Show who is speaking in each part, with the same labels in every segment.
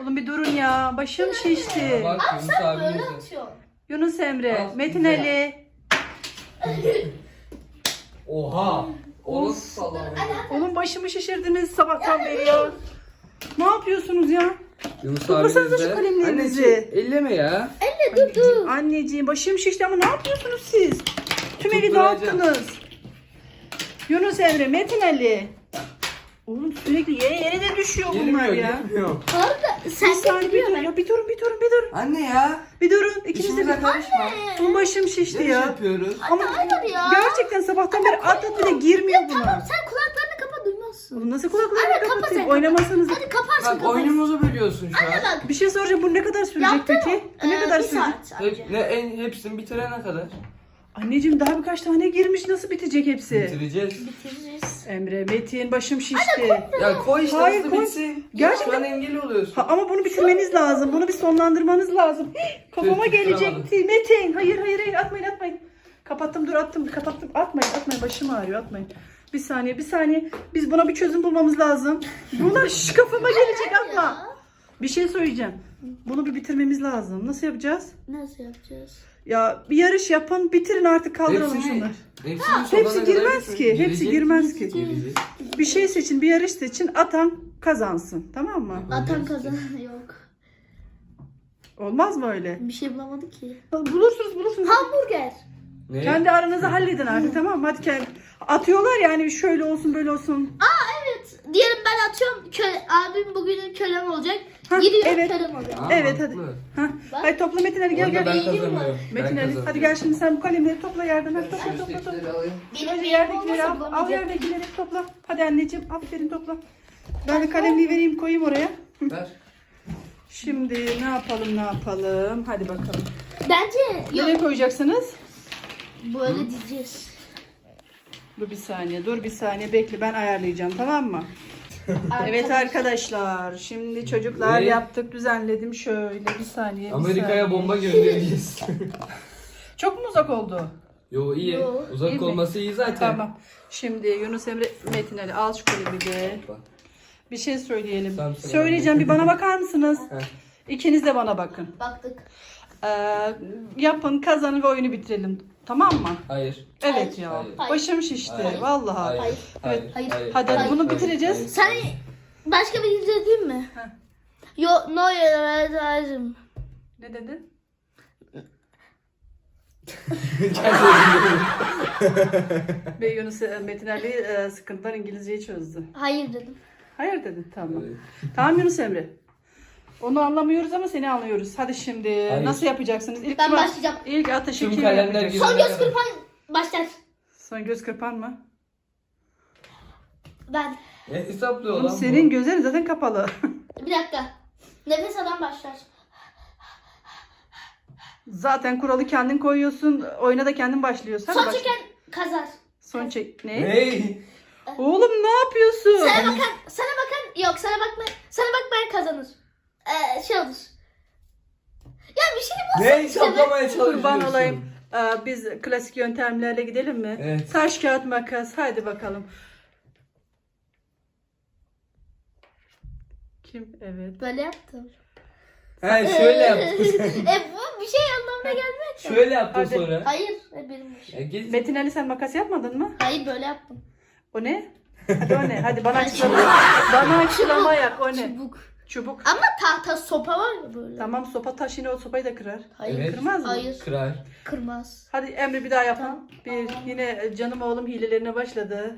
Speaker 1: Oğlum bir durun ya. Başım şişti.
Speaker 2: Bak Yunus
Speaker 3: Böyle
Speaker 2: abimiz de.
Speaker 3: atıyorsun.
Speaker 1: Yunus Emre,
Speaker 2: Al,
Speaker 1: Metin
Speaker 2: güzel.
Speaker 1: Ali.
Speaker 2: Oha. O
Speaker 1: Of.
Speaker 2: nasıl sallama?
Speaker 1: Oğlum başımı şişirdiniz sabahtan beri ya. Ne yapıyorsunuz ya?
Speaker 2: Yunus
Speaker 1: Toplasanıza
Speaker 2: abimiz de.
Speaker 1: şu kalemlerinizi.
Speaker 2: Anneciğim, elleme ya.
Speaker 1: Anneciğim başım şişti ama ne yapıyorsunuz siz? Tüm evi
Speaker 2: Tutturacağım.
Speaker 1: dağıttınız. Yunus Emre, Metin Ali. Oğlum sürekli yere de düşüyor bunlar
Speaker 2: Girmiyor,
Speaker 1: ya.
Speaker 2: girmiyor.
Speaker 3: Arda
Speaker 1: Bir
Speaker 3: sen de
Speaker 1: saniye bir
Speaker 3: biliyor
Speaker 1: durun ya. Bir durun.
Speaker 2: Anne ya.
Speaker 1: Bir durun. İkiniz de
Speaker 2: İşimize
Speaker 1: bir.
Speaker 2: karışma.
Speaker 1: Oğlum başım şişti
Speaker 2: Ne
Speaker 1: ya.
Speaker 2: yapıyoruz?
Speaker 1: Ama
Speaker 3: Hayır ya.
Speaker 1: gerçekten sabahtan beri adet bile girmiyor buna.
Speaker 3: Tamam sen kulaklarını kapa duymazsın.
Speaker 1: Oğlum nasıl kulaklarını
Speaker 3: Anne, kapa
Speaker 1: kapatayım?
Speaker 3: sen.
Speaker 1: Oynamasanız.
Speaker 3: Hadi kaparsın
Speaker 2: Bak
Speaker 3: kaparsın.
Speaker 2: oyunumuzu bölüyorsun şu an.
Speaker 3: Anne bak.
Speaker 1: Bir şey soracağım. Bu ne kadar sürecek
Speaker 3: Yaptın
Speaker 1: peki?
Speaker 3: mı?
Speaker 1: Bu ne kadar
Speaker 3: Bir
Speaker 1: sürecek?
Speaker 3: saat sadece.
Speaker 2: Hepsini bitirene kadar.
Speaker 1: Anneciğim daha birkaç tane girmiş. Nasıl bitecek hepsi?
Speaker 2: Bitireceğiz.
Speaker 3: Bitiririz.
Speaker 1: Emre, Metin başım şişti.
Speaker 2: Ya koy işte
Speaker 1: Hayır,
Speaker 2: hızlı
Speaker 1: koy.
Speaker 2: bitsin.
Speaker 1: Gerçekten-
Speaker 2: Şu an engel oluyorsun.
Speaker 1: Ha, ama bunu bitirmeniz lazım. Bunu bir sonlandırmanız lazım. Hii, kafama
Speaker 2: Tüh,
Speaker 1: gelecekti. Metin. Hayır. Atmayın. Kapattım. Kapattım. Atmayın. Başım ağrıyor. Atmayın. Bir saniye. Biz buna bir çözüm bulmamız lazım. Bunlar kafama gelecek atma. Bir şey söyleyeceğim. Bunu bir bitirmemiz lazım. Nasıl yapacağız?
Speaker 3: Nasıl yapacağız?
Speaker 1: Ya bir yarış yapın. Bitirin artık kaldıralım şunları. Hepsi girmez ki. Hepsi girmez ki.
Speaker 2: Girecek.
Speaker 1: Bir şey seçin. Bir yarış seçin. Atan kazansın. Tamam mı?
Speaker 3: Atan kazan yok.
Speaker 1: Olmaz mı öyle?
Speaker 3: Bir şey bulamadık ki.
Speaker 1: Bulursunuz.
Speaker 3: Hamburger.
Speaker 2: Ne?
Speaker 1: Kendi aranızı halledin artık tamam mı? Hadi kendi. Atıyorlar yani şöyle olsun böyle olsun.
Speaker 3: Evet. Diyelim ben atıyorum. Abim bugünün kölem olacak.
Speaker 1: Hah,
Speaker 3: Gidiyor
Speaker 1: evet.
Speaker 3: kölem olacak.
Speaker 2: Aa,
Speaker 1: Evet, hadi.
Speaker 2: mantıklı.
Speaker 1: Hah.
Speaker 3: Bak.
Speaker 1: Hadi topla Metin Ali gel
Speaker 2: Orada
Speaker 1: gel.
Speaker 2: ben
Speaker 3: İyi mi?
Speaker 2: kazanıyorum.
Speaker 1: Metin Ali hadi gel şimdi sen bu kalemleri topla yerden. Hadi topla.
Speaker 2: Üsttekileri alayım.
Speaker 3: Benim
Speaker 1: Yerdekileri al. Al
Speaker 3: bulamayacak.
Speaker 1: yerdekileri topla. Hadi anneciğim aferin topla. Ben de kalemliği vereyim koyayım oraya.
Speaker 2: Ver.
Speaker 1: Şimdi ne yapalım? Hadi bakalım.
Speaker 3: Bence yok.
Speaker 1: Nereye koyacaksınız?
Speaker 3: Böyle diyeceğiz.
Speaker 1: Dur bir saniye bekle ben ayarlayacağım tamam mı? Evet arkadaşlar şimdi çocuklar
Speaker 2: Ve-
Speaker 1: yaptık düzenledim şöyle bir saniye.
Speaker 2: Amerika'ya bomba göndereceğiz.
Speaker 1: Çok mu uzak oldu?
Speaker 2: Yo iyi.
Speaker 3: Yo,
Speaker 2: Uzak
Speaker 1: iyi mi?
Speaker 2: olması iyi zaten.
Speaker 1: Tamam. Şimdi Yunus Emre Metin Ali al şu kalemi de.
Speaker 2: Bak.
Speaker 1: Bir şey söyleyelim.
Speaker 2: Sen söyle.
Speaker 1: Söyleyeceğim bir bana bakar mısınız?
Speaker 2: Heh.
Speaker 1: İkiniz de bana bakın.
Speaker 3: Baktık.
Speaker 1: Yapın kazanın ve oyunu bitirelim. Tamam mı?
Speaker 2: Hayır.
Speaker 1: Evet
Speaker 3: Hayır.
Speaker 1: ya.
Speaker 2: Hayır.
Speaker 1: Başım şişti.
Speaker 2: Hayır.
Speaker 1: Vallahi.
Speaker 2: Hayır.
Speaker 3: Hayır.
Speaker 2: Hayır.
Speaker 3: Hayır.
Speaker 2: Hayır.
Speaker 1: Hadi
Speaker 2: Hayır.
Speaker 1: bunu
Speaker 2: Hayır.
Speaker 1: bitireceğiz.
Speaker 2: Hayır.
Speaker 3: Sen başka bir video değil mi?
Speaker 1: Heh.
Speaker 3: Yo, no lazım.
Speaker 1: Ne dedin? Ve Yunus Metin Ali sıkıntılar İngilizceyi çözdü.
Speaker 3: Hayır dedim.
Speaker 1: Hayır dedin tamam.
Speaker 2: Evet.
Speaker 1: Tamam Yunus Emre. Onu anlamıyoruz ama seni anlıyoruz. Hadi şimdi
Speaker 2: Hayır.
Speaker 1: nasıl yapacaksınız? İlk
Speaker 3: Ben
Speaker 1: kim-
Speaker 3: başlayacağım.
Speaker 1: İlk ateşi
Speaker 2: Tüm
Speaker 1: kim
Speaker 2: kalemler
Speaker 1: yapacak?
Speaker 2: gibi.
Speaker 3: Son göz kırpan başlar.
Speaker 1: Son göz kırpan mı?
Speaker 3: Ben.
Speaker 2: Ne hesaplıyor
Speaker 1: Oğlum
Speaker 2: lan bu?
Speaker 1: senin gözlerin zaten kapalı.
Speaker 3: Bir dakika. Nefes alan başlar.
Speaker 1: Zaten kuralı kendin koyuyorsun. Oyuna da kendin başlıyorsun. Hadi
Speaker 3: Son
Speaker 1: başla.
Speaker 3: çeken kazar.
Speaker 1: Son çek. Ne?
Speaker 2: Ney?
Speaker 1: Oğlum ne yapıyorsun?
Speaker 3: Sana bakmayan kazanır. Şey olur. Ya bir şey mi
Speaker 2: Ne hesaplamaya çalışıyorsun?
Speaker 1: Kurban olayım. Biz klasik yöntemlerle gidelim mi?
Speaker 2: Evet.
Speaker 1: Taş, kağıt, makas. Hadi bakalım. Kim? Evet.
Speaker 3: Böyle yaptım.
Speaker 2: He şöyle yaptın.
Speaker 3: Bu bir şey anlamına gelmiyor ki.
Speaker 2: Şöyle yaptın
Speaker 1: Hadi.
Speaker 2: sonra.
Speaker 3: Hayır. Benim bir şey.
Speaker 2: Ya git.
Speaker 1: Metin Ali sen makas yapmadın mı?
Speaker 3: Hayır böyle yaptım.
Speaker 1: O ne? Hadi o ne? Hadi bana açıklama. Bana açıklama yap. O ne?
Speaker 3: Çubuk.
Speaker 1: Çubuk.
Speaker 3: Ama tahta sopa var ya böyle.
Speaker 1: Tamam sopa taş yine o sopayı da kırar.
Speaker 3: Hayır.
Speaker 2: Evet.
Speaker 1: Kırmaz mı?
Speaker 3: Hayır.
Speaker 2: Kırar.
Speaker 3: Kırmaz.
Speaker 1: Hadi Emre bir daha yapalım.
Speaker 3: Tamam.
Speaker 1: Bir
Speaker 3: Tamam.
Speaker 1: yine canım oğlum hilelerine başladı.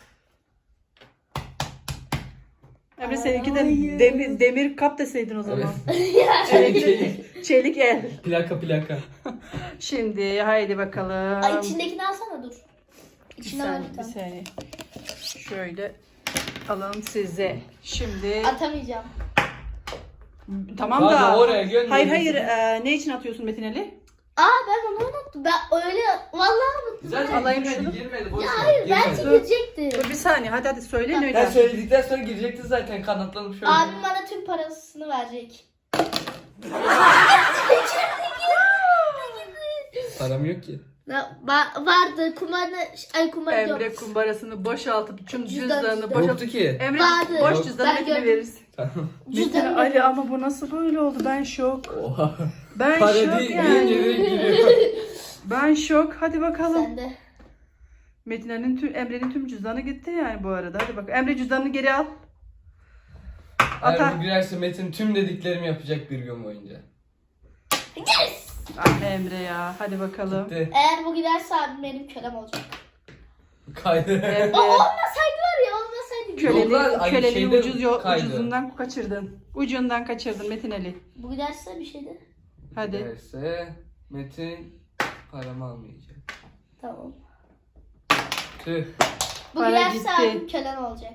Speaker 1: Emre seninki de
Speaker 2: Hayır.
Speaker 1: demir kap deseydin o zaman.
Speaker 2: Çelik çelik.
Speaker 1: Çelik el.
Speaker 2: Plaka.
Speaker 1: Şimdi haydi bakalım.
Speaker 3: Ay içindekini alsana dur.
Speaker 1: Bir
Speaker 3: İçinde var
Speaker 1: saniye,
Speaker 3: bir
Speaker 1: bir
Speaker 3: tane.
Speaker 1: saniye. Şöyle alalım size. Şimdi
Speaker 3: Atamayacağım.
Speaker 1: tamam
Speaker 2: Hadi
Speaker 1: da.
Speaker 2: oraya gönder.
Speaker 1: Hayır ne için atıyorsun Metin Ali?
Speaker 3: Ben onu unuttum. Ben öyle vallahi unuttum.
Speaker 2: Zaten
Speaker 1: Alayım
Speaker 2: girmedi,
Speaker 1: şunu.
Speaker 2: girmedi. Boş
Speaker 3: Ya
Speaker 2: ver,
Speaker 3: hayır
Speaker 2: girmedi.
Speaker 3: bence
Speaker 1: Dur.
Speaker 3: girecekti.
Speaker 1: Dur bir saniye hadi söyleyin öyle.
Speaker 2: Ben söyledikten sonra girecekti zaten kanatlanıp şöyle.
Speaker 3: Abim bana tüm parasını verecek.
Speaker 2: Param yok ki.
Speaker 3: Vardı kumar yok.
Speaker 1: Emre kumbarasını boşaltıp tüm
Speaker 3: Cüzdan,
Speaker 1: cüzdanını
Speaker 3: cüzdan.
Speaker 1: boşaltıp.
Speaker 2: Yoktu ki.
Speaker 1: Emre
Speaker 3: Vardı.
Speaker 1: boş
Speaker 3: Yok,
Speaker 1: cüzdanı
Speaker 3: ben
Speaker 1: Metin'e
Speaker 3: gördüm.
Speaker 1: veririz.
Speaker 2: Tamam.
Speaker 1: Metin
Speaker 3: Cüzdanı
Speaker 1: Ali ama bu nasıl böyle oldu? Ben şok.
Speaker 2: Oha.
Speaker 1: Ben
Speaker 2: Para
Speaker 1: şok
Speaker 2: değil
Speaker 1: yani.
Speaker 2: geliyor.
Speaker 1: Ben şok. Hadi bakalım.
Speaker 3: Sen de.
Speaker 1: Metin Ali'nin Emre'nin tüm cüzdanı gitti yani bu arada. Hadi bak. Emre cüzdanını geri al. Atar.
Speaker 2: Eğer bu girerse Metin tüm dediklerimi yapacak bir gün boyunca.
Speaker 3: Yes!
Speaker 1: Ah Emre ya. Hadi bakalım.
Speaker 2: Gitti.
Speaker 3: Eğer bu giderse abim benim kölem olacak.
Speaker 2: Kaydı.
Speaker 1: Emre.
Speaker 3: Olmasaydı var ya olmasaydı.
Speaker 2: Yollar aynı
Speaker 1: Köleliği
Speaker 2: şeyde kaydı.
Speaker 1: ucuzundan kaçırdın. Ucundan kaçırdın Metin Ali.
Speaker 3: Bu giderse bir şeydi.
Speaker 1: Hadi.
Speaker 2: Girerse Metin paramı almayacak.
Speaker 3: Tamam.
Speaker 2: Tüh.
Speaker 3: Bu
Speaker 1: Para
Speaker 3: giderse
Speaker 1: gitti.
Speaker 3: abim kölem olacak.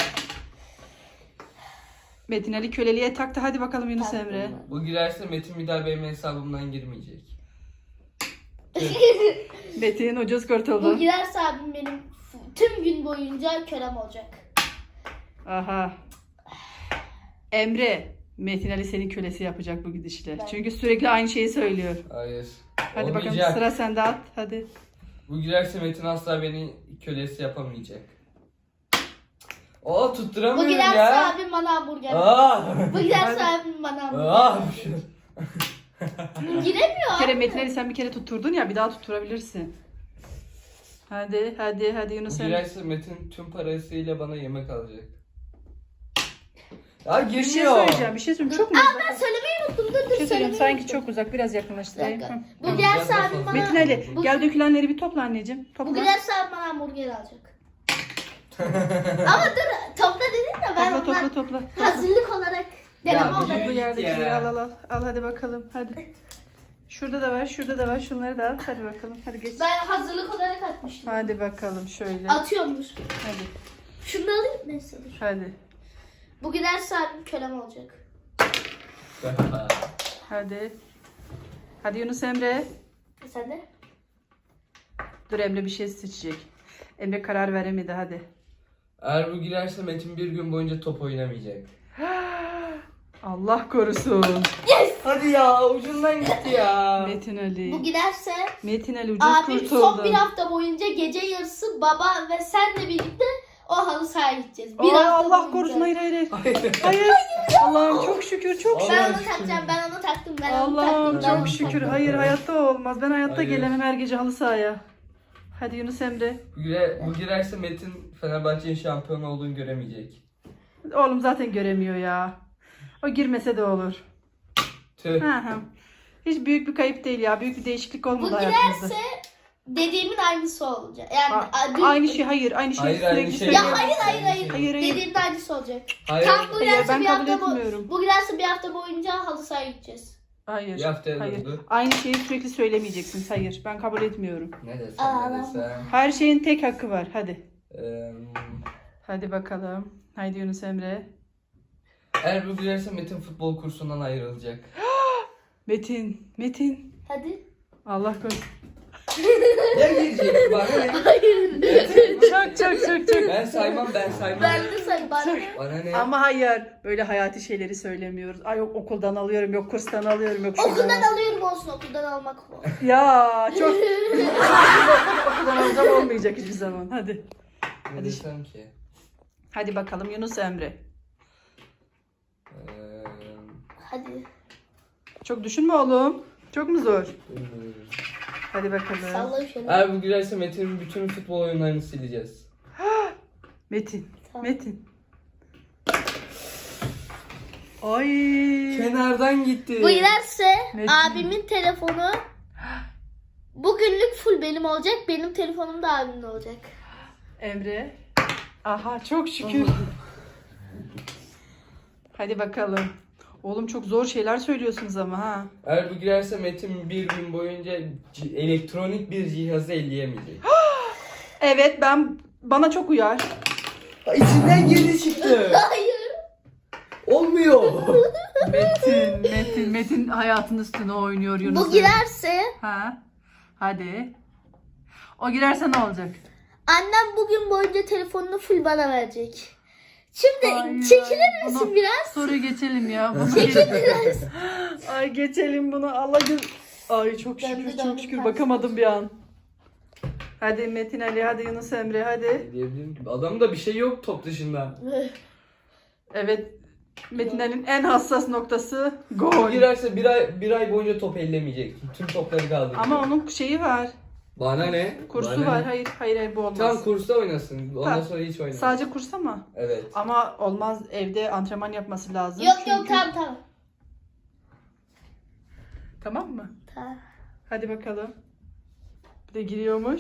Speaker 1: Metin Ali köleliğe taktı. Hadi bakalım Yunus
Speaker 3: Tamam.
Speaker 1: Emre.
Speaker 2: Bu girerse Metin bir daha benim hesabımdan girmeyecek. Tüh.
Speaker 1: Metin ucuz
Speaker 3: Bu
Speaker 1: kurtuldu.
Speaker 3: giderse abim benim tüm gün boyunca kölem olacak.
Speaker 1: Aha. Emre. Metin Ali senin kölesi yapacak bu gidişle.
Speaker 3: Ben-
Speaker 1: Çünkü sürekli aynı şeyi söylüyor.
Speaker 2: Hayır.
Speaker 1: Hadi bakalım
Speaker 2: Olmayacak.
Speaker 1: sıra sende at. Hadi.
Speaker 2: Bu girerse Metin asla beni kölesi yapamayacak. Oo
Speaker 3: Bu
Speaker 2: tutturamıyorum
Speaker 3: giderse
Speaker 2: ya.
Speaker 3: abim bana hamburger.
Speaker 2: Aa.
Speaker 3: Bu giderse abim bana hamburger.
Speaker 2: Aa.
Speaker 3: Giremiyor
Speaker 1: Bir kere
Speaker 3: abi.
Speaker 1: Metin Ali sen bir kere tutturdun ya bir daha tutturabilirsin. Hadi
Speaker 2: Bu
Speaker 1: Yunus Emre.
Speaker 2: girerse Metin tüm parasıyla bana yemek alacak. Ya
Speaker 1: Bir şey
Speaker 2: girmiyor.
Speaker 1: söyleyeceğim. Bir şey söyleyeyim. Çok mu
Speaker 3: Ben
Speaker 1: uzak?
Speaker 3: söylemeyi unuttum. Dur
Speaker 1: Bir şey söyleyeceğim.
Speaker 3: söylemeyi
Speaker 1: Sanki
Speaker 3: unuttum.
Speaker 1: çok uzak. Biraz
Speaker 3: Bir
Speaker 1: yakınlaştırayım.
Speaker 3: dakika.
Speaker 1: Hı.
Speaker 3: Bu giderse abim bana...
Speaker 1: Metin Ali
Speaker 3: Bu-
Speaker 1: gel dökülenleri bir topla anneciğim.
Speaker 3: Bu
Speaker 1: Topla.
Speaker 3: giderse abim bana hamburger alacak. Ama dur topla dedin de ben
Speaker 1: Topla
Speaker 3: ondan
Speaker 1: topla.
Speaker 3: hazırlık olarak deneme
Speaker 2: Ya,
Speaker 3: olarak.
Speaker 1: Bu yerdekileri
Speaker 2: Ya.
Speaker 1: al hadi bakalım. Hadi. Şurada da var, şurada da var. Şunları da al. Hadi bakalım. Hadi geç.
Speaker 3: Ben hazırlık olarak atmıştım.
Speaker 1: Hadi bakalım şöyle.
Speaker 3: Atıyormuş.
Speaker 1: Hadi.
Speaker 3: Şunu da alayım neyse dur.
Speaker 1: Hadi.
Speaker 3: Bu giderse abim kölem olacak.
Speaker 1: Hadi. Hadi Yunus Emre.
Speaker 3: Sen de?
Speaker 1: Dur Emre bir şey seçecek. Emre karar veremedi hadi.
Speaker 2: Eğer bu girerse Metin bir gün boyunca top oynamayacak.
Speaker 1: Allah korusun.
Speaker 2: Hadi ya ucundan gitti ya.
Speaker 1: Metin Ali.
Speaker 3: Bu giderse
Speaker 1: Metin Ali ucuz
Speaker 3: abim
Speaker 1: kurtuldu.
Speaker 3: son bir hafta boyunca gece yarısı baba ve senle birlikte o halı sahaya gideceğiz. Bir
Speaker 1: Aa,
Speaker 3: hafta
Speaker 1: Allah
Speaker 3: boyunca.
Speaker 1: korusun hayır.
Speaker 2: Hayır.
Speaker 1: Hayır. Allah'ım çok şükür çok şükür.
Speaker 3: Ben
Speaker 2: Allah'ım
Speaker 3: onu
Speaker 2: şükür.
Speaker 3: takacağım, ben onu taktım, ben onu
Speaker 1: Allah'ım
Speaker 3: taktım. ben onu
Speaker 1: çok şükür.
Speaker 3: taktım.
Speaker 1: Hayır hayatta olmaz. Ben hayatta
Speaker 2: Hayır.
Speaker 1: gelemem her gece halı sahaya. Hadi Yunus Emre.
Speaker 2: Bu girerse Metin Fenerbahçe'nin şampiyon olduğunu göremeyecek.
Speaker 1: Oğlum zaten göremiyor ya. O girmese de olur.
Speaker 2: Tüh.
Speaker 1: Hı hı. Hiç büyük bir kayıp değil ya. Büyük bir değişiklik
Speaker 3: Bu
Speaker 1: olmadı hayatımızda.
Speaker 3: giderse dediğimin aynısı olacak. Yani dün-
Speaker 1: Aynı şey hayır. Aynı şey
Speaker 2: Hayır, aynı
Speaker 1: sürekli
Speaker 2: şey.
Speaker 3: Ya
Speaker 1: söylüyor.
Speaker 3: hayır.
Speaker 1: Hayır.
Speaker 3: Dediğimin aynısı olacak.
Speaker 2: Hayır.
Speaker 3: Tam bu
Speaker 1: Hayır,
Speaker 3: giderse
Speaker 1: ben
Speaker 3: bir
Speaker 1: kabul
Speaker 3: hafta
Speaker 1: etmiyorum.
Speaker 3: bu giderse bir hafta boyunca halı sahaya gideceğiz.
Speaker 1: Hayır.
Speaker 2: Bir haftaya
Speaker 1: Hayır.
Speaker 2: döndü.
Speaker 1: Aynı şeyi sürekli söylemeyeceksin. Hayır. Ben kabul etmiyorum.
Speaker 2: Ne desem
Speaker 3: Aa,
Speaker 2: ne desem.
Speaker 1: Her şeyin tek hakkı var. Hadi.
Speaker 2: Eee,
Speaker 1: Hadi bakalım. Haydi Yunus Emre.
Speaker 2: Eğer bu girerse Metin futbol kursundan ayrılacak.
Speaker 1: Metin.
Speaker 3: Hadi.
Speaker 1: Allah korusun.
Speaker 2: Ya girecek bana ne?
Speaker 1: Çok.
Speaker 2: Ben saymam.
Speaker 3: Ben de say bana.
Speaker 2: Bana ne?
Speaker 1: Ama hayır. Böyle hayati şeyleri söylemiyoruz. Ay yok okuldan alıyorum, yok kurstan alıyorum, yok şuradan
Speaker 3: Okuldan alıyorum olsun, okuldan almak o.
Speaker 1: Ya çok okuldan alacağım olmayacak hiçbir zaman. Hadi.
Speaker 2: Ne
Speaker 1: Hadi.
Speaker 2: desem ki?
Speaker 1: Hadi bakalım Yunus Emre.
Speaker 3: Hadi.
Speaker 1: Çok düşünme oğlum. Çok mu zor? Hadi bakalım.
Speaker 3: Salla şöyle.
Speaker 2: Eğer bu girerse Metin'in bütün futbol oyunlarını sileceğiz.
Speaker 1: Metin.
Speaker 3: Tamam.
Speaker 1: Metin. Ay.
Speaker 2: Kenardan gitti.
Speaker 3: Bu giderse
Speaker 1: Metin.
Speaker 3: abimin telefonu bugünlük full benim olacak. Benim telefonum da abimin olacak.
Speaker 1: Emre. Aha çok şükür. Hadi bakalım. Oğlum çok zor şeyler söylüyorsunuz ama ha.
Speaker 2: Eğer bu girerse Metin bir gün boyunca elektronik bir cihazı elleyemeyecek.
Speaker 1: Evet bana çok uyar.
Speaker 2: İçinden girdi çıktı.
Speaker 3: Hayır.
Speaker 2: Olmuyor.
Speaker 1: Metin hayatın üstüne oynuyor Yunus.
Speaker 3: Bu girerse
Speaker 1: Ha. Hadi. O girerse ne olacak?
Speaker 3: annem bugün boyunca telefonunu full bana verecek. Şimdi
Speaker 1: Hayır,
Speaker 3: çekilir misin
Speaker 1: bunu-
Speaker 3: biraz?
Speaker 1: Soruyu geçelim ya. Bunu
Speaker 3: Çekil biraz.
Speaker 1: Ay geçelim bunu. Allah Ay çok
Speaker 3: Döndü,
Speaker 1: şükür
Speaker 3: döndü,
Speaker 1: çok şükür
Speaker 3: ters.
Speaker 1: bakamadım bir an. Hadi Metin Ali, hadi Yunus Emre, hadi.
Speaker 2: Diyebilirim ki. Adamda bir şey yok top dışında.
Speaker 1: Evet. Metin Ali'nin en hassas noktası
Speaker 2: O
Speaker 1: gol.
Speaker 2: girerse bir ay boyunca top ellemeyecek. Tüm topları kaldıracak.
Speaker 1: Ama onun şeyi var.
Speaker 2: Bana ne?
Speaker 1: Kursu
Speaker 2: Bana
Speaker 1: var.
Speaker 2: ne?
Speaker 1: Hayır bu olmaz.
Speaker 2: Tam kursta oynasın. Ondan
Speaker 1: Tamam.
Speaker 2: sonra hiç oynamaz.
Speaker 1: Sadece kurs ama.
Speaker 2: Evet.
Speaker 1: Ama olmaz, evde antrenman yapması lazım.
Speaker 3: Yok
Speaker 1: Çünkü-
Speaker 3: tamam.
Speaker 1: Tamam mı?
Speaker 3: Tamam.
Speaker 1: Hadi bakalım. Bir de giriyormuş.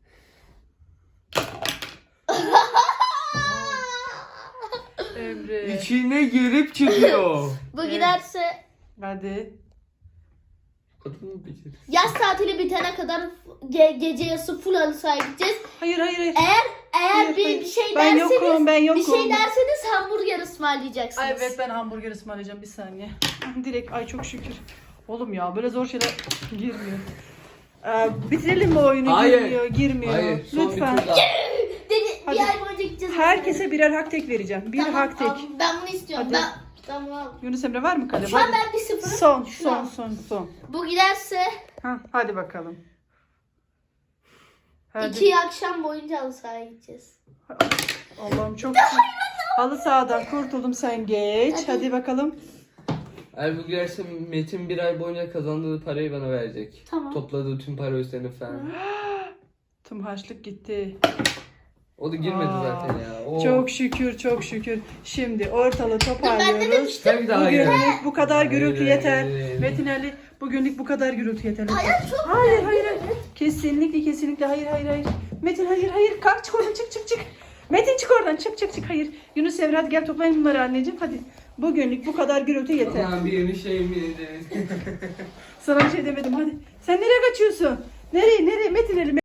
Speaker 1: Emre.
Speaker 2: İçine girip çıkıyor.
Speaker 3: Bu
Speaker 1: Evet.
Speaker 3: giderse
Speaker 1: Hadi.
Speaker 2: Kadın mı bitir?
Speaker 3: yaz tatili bitene kadar gece yarısı full halı sahaya gideceğiz.
Speaker 1: Hayır.
Speaker 3: Eğer
Speaker 1: Hayır,
Speaker 3: bir şey
Speaker 1: Ben
Speaker 3: derseniz
Speaker 1: yokum, ben yokum.
Speaker 3: bir şey derseniz hamburger ısmarlayacaksınız.
Speaker 1: Ay evet, ben hamburger ısmarlayacağım, bir saniye. Direkt, ay çok şükür. Oğlum ya, böyle zor şeyler girmiyor. Bitirelim mi oyunu?
Speaker 2: Hayır.
Speaker 1: Girmiyor.
Speaker 2: Hayır. Son
Speaker 1: Lütfen.
Speaker 2: bir tur daha.
Speaker 3: Bir
Speaker 1: Hadi.
Speaker 3: ay boyunca gideceğiz.
Speaker 1: Herkese birer hak tek vereceğim. Bir
Speaker 3: Tamam,
Speaker 1: hak tek.
Speaker 3: al. Ben bunu istiyorum.
Speaker 1: Hadi.
Speaker 3: Ben bunu al.
Speaker 1: Yunus Emre var mı kalem?
Speaker 3: Şu an
Speaker 1: Hadi.
Speaker 3: ben 1-0.
Speaker 1: Son.
Speaker 3: Bu giderse
Speaker 1: Ha, hadi bakalım. Hadi.
Speaker 3: 2 akşam boyunca halı sahaya gideceğiz.
Speaker 1: Allah'ım çok halı sahadan kurtuldum, sen geç. Hadi bakalım.
Speaker 2: Eğer bu girerse Metin bir ay boyunca kazandığı parayı bana verecek.
Speaker 3: Tamam.
Speaker 2: Topladığı tüm para üstlerini falan.
Speaker 1: Tüm harçlık gitti.
Speaker 2: O da girmedi
Speaker 1: Aa,
Speaker 2: zaten ya. Oo.
Speaker 1: Çok şükür. Şimdi ortalığı toparlıyoruz.
Speaker 3: demiştim.
Speaker 2: Tabii daha girer.
Speaker 1: Bugünlük bu kadar gürültü
Speaker 2: Hayır,
Speaker 1: yeter.
Speaker 2: hayır.
Speaker 1: Metin Ali, bugünlük bu kadar gürültü yeter.
Speaker 3: Hayır çok
Speaker 1: Hayır. Kesinlikle hayır. Metin hayır. Kalk, çık oradan, çık. Metin çık oradan, çık. Hayır. Yunus Emre, hadi gel toplayın bunları anneciğim, hadi. Bugünlük bu kadar gürültü yeter.
Speaker 2: Aman bir şey mi dedi?
Speaker 1: Sana bir şey demedim, hadi. Sen nereye kaçıyorsun? Nereye Metin Ali?